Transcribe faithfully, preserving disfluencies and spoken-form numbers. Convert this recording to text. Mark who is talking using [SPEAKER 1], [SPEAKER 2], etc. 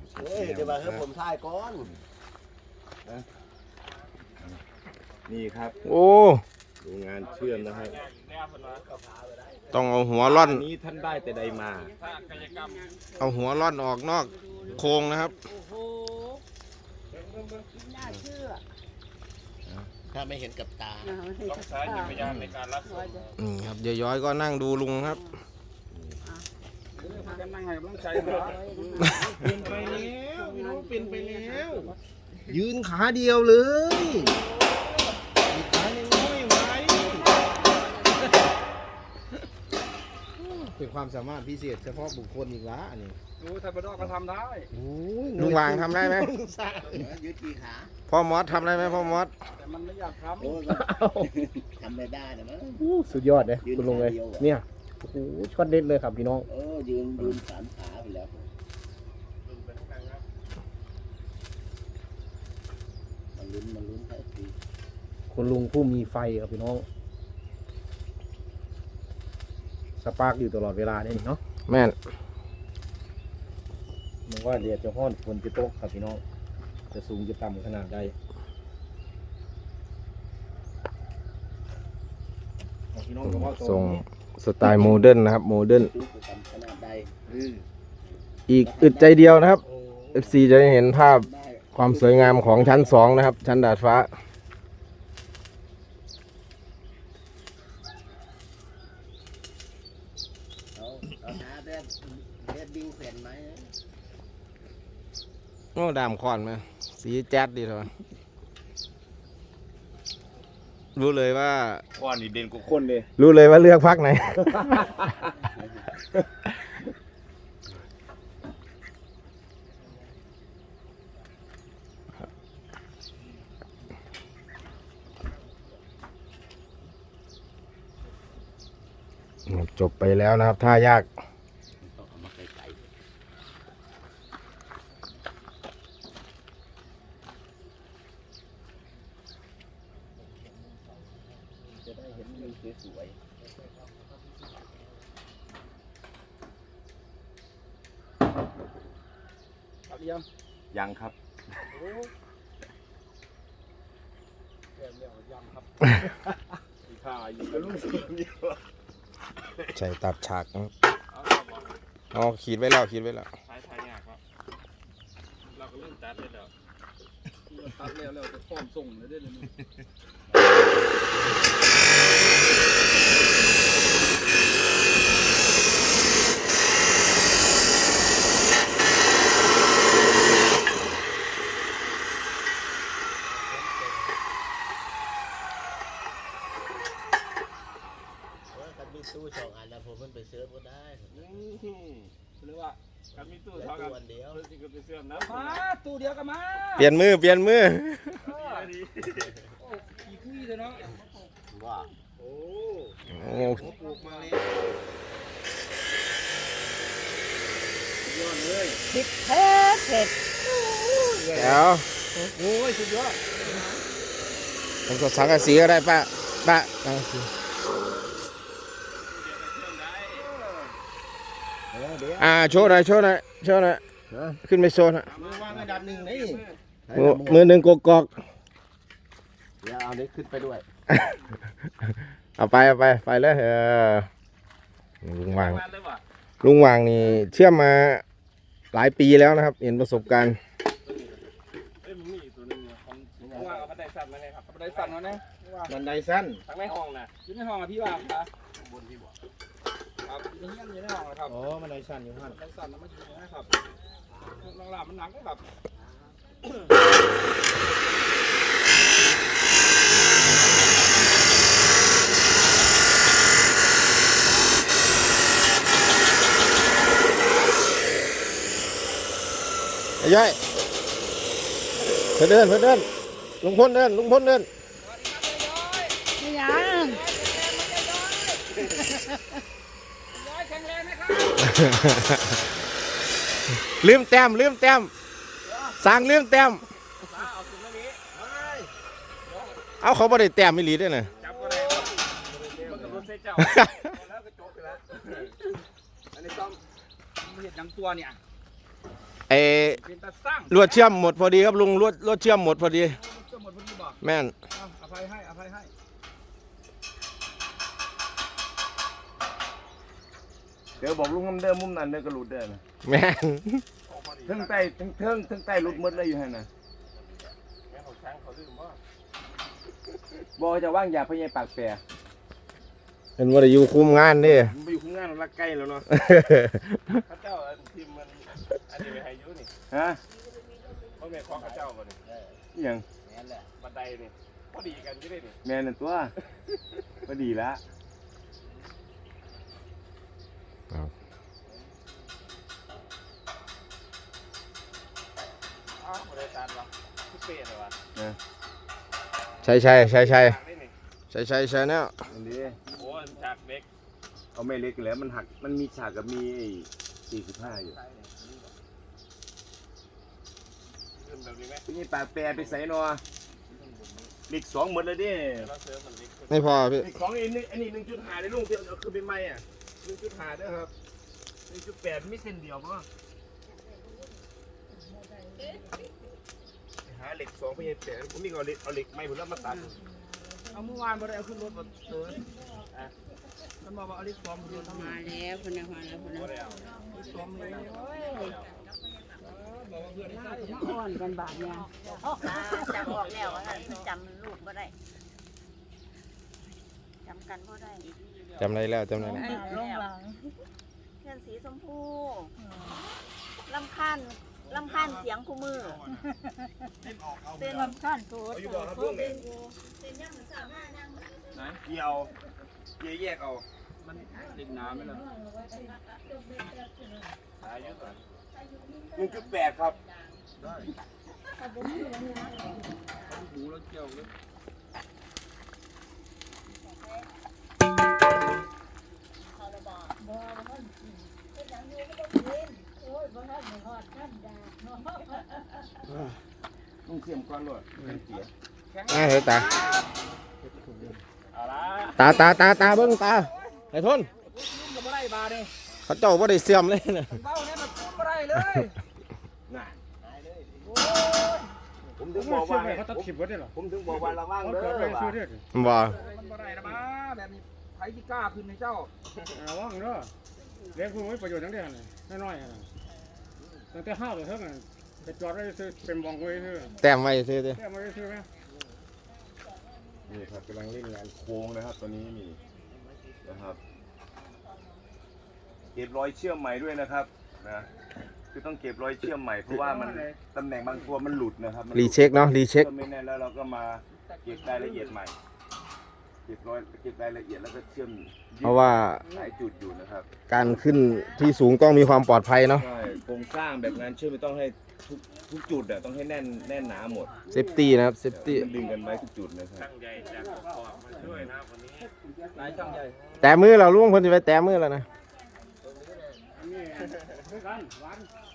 [SPEAKER 1] เฮ้ยเดี๋ยวมาให้ผมถ่ายก่อนนี่ครับ
[SPEAKER 2] โอ้
[SPEAKER 1] ดูงานเชื่อมนะครับ
[SPEAKER 2] ต้องเอาหัวร่อน
[SPEAKER 1] นี้ท่านได้แต่ใดมา
[SPEAKER 2] เอาหัวร่อนออกนอกโครงนะครับ
[SPEAKER 3] น่าเชื่อ
[SPEAKER 1] ถ้าไม่เห็นกับตา
[SPEAKER 3] ต้องใช้จักรยานในการรับส่ง
[SPEAKER 2] นี่ครับยายย้อยก็นั่งดูลุงครับ
[SPEAKER 3] นั่งให้กำลังใจ
[SPEAKER 1] เป็นไปแล้วพี่น้องเป็นไปแล้วยืนขาเดียวเลยขาน้อยไว้เป็นความสามารถพิเศษเฉพาะบุคคลอีกละอันนี้
[SPEAKER 3] รู้ไทยบดอกก็ทำได้
[SPEAKER 2] ลุงวางทำได้ไหม
[SPEAKER 1] ยืดกี่ขา
[SPEAKER 2] พ่อมอสทำได้ไหมพ่อมอส
[SPEAKER 3] แต่มันไม่อยากทำ
[SPEAKER 1] ทำไม่ได้นะมั้ง
[SPEAKER 4] สุดยอดเลยคุณลุงเลยเนี่ยโอ้โหช็อตเด็ดเลยครับพี่น้อง
[SPEAKER 1] เออยืนยืนสามขาไปแล้วมันลุ้นมันลุ้นแค่ที
[SPEAKER 4] คุณลุงผู้มีไฟครับพี่น้องสปาร์กอยู่ตลอดเวลาเนี่ยเนาะ
[SPEAKER 2] แม่น
[SPEAKER 4] มันว่าเดี๋ยวจะห้อนฝนจะตกครับพี่น้องจะสูงจะต่ำขนาดใด
[SPEAKER 2] ส่งสไตล์โมเดิร์นนะครับโมเดิร์นอีกอึดใจเดียวนะครับ เอฟ ซี จะได้เห็นภาพความสวยงามของชั้นสองนะครับชั้นดาดฟ้าโอ้ดามคอนไหมสีแจ๊ดดีเถอะรู้เลยว่า
[SPEAKER 1] คอนนี่เด่นกว่าคนเลย
[SPEAKER 2] รู้เลยว่าเลือกพักไหนจบไปแล้วนะครับท่ายาก
[SPEAKER 1] จะได้เห็นวิวสวยๆ
[SPEAKER 3] ครับยัง
[SPEAKER 1] ยังครับ
[SPEAKER 3] เรียวยังครับอีกข้าอยู่กับลูกศิษย์อยู่
[SPEAKER 2] ใช่ตัดฉากนะครับอ๋อขีดไว้แล้วขีดไว้แล้ว
[SPEAKER 3] ท้ายท้ายยากครับเราก็เริ่มตัดเลยแล้วตัดแล้วแล้วจะพร้อมส่งเลยได้เลย
[SPEAKER 1] มีตู้สองอันแล้วผมมันไปเซิร์ฟก็ได้
[SPEAKER 3] หรือว่าการมีตู้สองอัน
[SPEAKER 1] เดียว
[SPEAKER 3] จริงก็ไปเซิร์ฟนะมาตู้เดียวกันมา
[SPEAKER 2] เปลี่ยนมือเปลี่ยนมือ
[SPEAKER 3] อีคุยเลยเนาะ
[SPEAKER 1] ว่าโอ้
[SPEAKER 2] โอ้
[SPEAKER 1] ปลูกมาเลยยอดเลย
[SPEAKER 3] ติดเผ็ดเผ็ด
[SPEAKER 2] แล้ว
[SPEAKER 3] โอ้ยสุดยอด
[SPEAKER 2] ผมก็สังกะสีก็ได้ป้าป้าสังกะสีอ่าโชว์หน่อยโชว์หน่อยโชว์หน่อยขึ้นไปโชว์นะ
[SPEAKER 1] มือวางอันดับหนึ่งนี่
[SPEAKER 2] มือหนึ่งกกอก
[SPEAKER 1] เดี๋ยวเอานี้ขึ้นไปด้วย
[SPEAKER 2] เอาไปเอาไปไปเลยเออลุงวางลุงวางนี่เชื่อมมาหลายปีแล้วนะครับเห็นประสบการณ์
[SPEAKER 3] ว่าเอาบันไดสั้นมาเลยครับบันไดสั้นมาเนี่ย
[SPEAKER 1] บันไดสั้น
[SPEAKER 3] ทั้งในห้องนะอยู่ในห้องอะพี่ว่าครับบนพี่บอกครับอยู่ในห้องอยู่ในห้องนะครับ
[SPEAKER 1] อ๋อบันไดสั้นอยู่ห้อง
[SPEAKER 3] บันไดสั้นแล้วมาอยู่นะครับหลังๆมันหนักก็แบบ
[SPEAKER 2] ไอ้ย่อยเพื่อนเดินเพื่อนเดินลุงพลเดินลุงพลเดิน
[SPEAKER 3] ไม่ยังย้อยแข็งแรงไหมครับ
[SPEAKER 2] ลืมแต้มลืมแต้มสั่งลืมแต้มเอาเขาบ่ได้แต้มไม่หลีด้วยนะ
[SPEAKER 3] จับก็ได้มันกับรถเซเจ้าแล้วก็จบไปแล้วอันนี้ซ่อมเห็ดยังตัวเนี่ย
[SPEAKER 2] ไอ้
[SPEAKER 3] เป็นตาสร้าง
[SPEAKER 2] ลวดเชื่อมหมดพอดีครับลุงลวดลวดเชื่อมหมดพอดี
[SPEAKER 3] เจ้าหมดพอดีบอก
[SPEAKER 2] แม่น
[SPEAKER 3] เอาอภัยให้อภัยให้
[SPEAKER 4] เดี๋ยวบอกลุงน้ำเดิมมุมนั้นเด้อกระหลุดเด้อนะ
[SPEAKER 2] แม่น
[SPEAKER 4] ทั้งใต้ทั้งเทิงทั้งใต้หลุดหมดเลยอยู่หั่นน่ะบ่จะว่างยาพญายปากแปร
[SPEAKER 2] เป็นว่าได้อยู่คุมงานเดิ
[SPEAKER 4] มันไปอยู่ข้างหน้าเราลักใกล้แล้วเนาะ
[SPEAKER 3] ข้าเจ้าทีมมันอันนี้ไปให้ยุนี่
[SPEAKER 4] ฮะ
[SPEAKER 3] เพราะแม่ของข้าเจ้าบ่นี่
[SPEAKER 4] อิหยัง
[SPEAKER 3] บันไดนี่พอดีกันที่ได้นี่
[SPEAKER 4] แม่นั่นตัวก็ดีละ
[SPEAKER 3] อ้าวบ่ได้ตัดวะคือเป๊ะเลยวะ
[SPEAKER 2] ใช่ใช่ใช่ใช่
[SPEAKER 3] ฉากนี่นี่
[SPEAKER 2] ใช่ใช่ใช่เนี่ย
[SPEAKER 4] อันนี้
[SPEAKER 3] โอ้ฉากเด็ก
[SPEAKER 4] เอาแม่เล็กแล้วมันหักมันมีฉากกับมีไอ้สี่สิบห้าอยู่
[SPEAKER 3] ขึ้นแบบนี้ไหม
[SPEAKER 4] พญายปากแปรไปใส่เนาะเล็กสองหมดเลยเด้
[SPEAKER 3] เราเสริมมันเล็กขึ้น
[SPEAKER 2] ไม่พอพี่
[SPEAKER 4] เล็กสองอันนี้อันนี้หนึ่งจุดห้าได้ลุงเพียงเอาคือเป็นไม้อ่ะหนึ่งจุดห้าเด้อครับหนึ่งจุดแปดมีเส้นเดียวป่ะหาเหล็กสองพญายแปรผมมีเอาเหล็กเอาเหล็กไม้ผมแล้วมาตัด
[SPEAKER 3] เอาเมื่อวานบ่ได้เอาขึ้นรถมาเติร์นอ่ะมันบอกว่าเอาลิฟต์ฟอร์มเดียวทำไม
[SPEAKER 5] มาแล้วคนนะมาแล้วคนนะ
[SPEAKER 3] บ่ได้เอาลิฟต์ฟอร์มเลย
[SPEAKER 5] อ่อนกันบาดเนี่ย
[SPEAKER 6] จำบอกแล้วว่ามันจำลูกบ่ได้จำกันบ่ได้
[SPEAKER 2] จำได้แล้วจำได้แล้ว
[SPEAKER 6] ลงหลังเพื่อนสีชมพูลำคาญลำคาญเสียงคู่มือเป็นลำคาญตัว
[SPEAKER 4] เอาอยู่บ่ครับลุงเนี่ย
[SPEAKER 3] ไหน
[SPEAKER 4] เกี่ยวเกี่ยวแยกเอา
[SPEAKER 3] มันเด็กน้ำไหมล่ะสายเยอะกว่า
[SPEAKER 4] หนึ่งจุดแปดครับ
[SPEAKER 3] หูแล้วเกี่ยวเลย
[SPEAKER 4] ลุงเสียมก้อนรวดเป็นเกียร์
[SPEAKER 2] อ่าเฮ้ยตา
[SPEAKER 3] เอาละ
[SPEAKER 2] ตาตาตาตาเบิ้งตาไอ้ทน
[SPEAKER 3] ยุ่งกับบ่ได้บาดเลย
[SPEAKER 2] เขาเจ้าว่าได้เสื่อมเลยนะ
[SPEAKER 3] เบ้าเนี่ยมันพูดบ่ได้เลย
[SPEAKER 4] น่ะผมถึงบอกว่าให้
[SPEAKER 7] เขาตัด
[SPEAKER 4] ผม
[SPEAKER 7] คลิปไว้ได้หรอ
[SPEAKER 4] ผมถึงบอกว่าระวัง
[SPEAKER 7] เขา
[SPEAKER 4] เด้
[SPEAKER 7] เกิดอะไร
[SPEAKER 4] อว่า
[SPEAKER 7] ซื้อได้
[SPEAKER 2] บ่
[SPEAKER 3] มันบ่ได้นะบ้าแบบนี้ไผที่กล้าขึ้นในเจ้า
[SPEAKER 7] ระวังเด้อเลี้ยงคุณไว้ประโยชน์ทั้งเดือนน้อยๆนะตั้งแต่ห้าวเลยเท่านั้นไปจอดไว้ซื้อเป็นบองไว้ซื้อ
[SPEAKER 2] แต้มไว้ซื้อดิ
[SPEAKER 7] แค่มาไว้ซื้อไหม
[SPEAKER 4] นี่ครับกำลังเล่นงานโค้งนะครับตอนนี้นี่นะครับเก็บรอยเชื่อมใหม่ด้วยนะครับนะคือต้องเก็บรอยเชื่อมใหม่เพราะว่ามันตำแหน่งบางตัวมันหลุดนะครับมันห
[SPEAKER 2] รี
[SPEAKER 4] ลุด
[SPEAKER 2] เช็คเนาะรีเช็ค
[SPEAKER 4] ก็ไม่แน่นแล้วเราก็มาเก็บรายละเอียดใหม่ เก็บรอยเก็บรายละเอียดแล้วก็เชื่อม
[SPEAKER 2] เพราะว่า
[SPEAKER 4] หลายจุดอยู่นะครับ
[SPEAKER 2] การขึ้นที่สูงต้องมีความปลอดภัยเนาะ
[SPEAKER 4] ใช่โครงสร้างแบบงานเชื่อมไม่ต้องให้ทุกทุกจุดอะต้องให้แน่นแน่นหนาหมด
[SPEAKER 2] เซฟตี้นะครับเซฟตี้
[SPEAKER 4] มันดึงกันไว้ทุกจุดนะครับ
[SPEAKER 3] ช่างใหญ่จากขอบมาช่วยนะวันนี้นายช่างใหญ่
[SPEAKER 2] แต่มือเราล่วงคนจะไปแต่มือแล้วนะ
[SPEAKER 7] นี่คือกันหวาน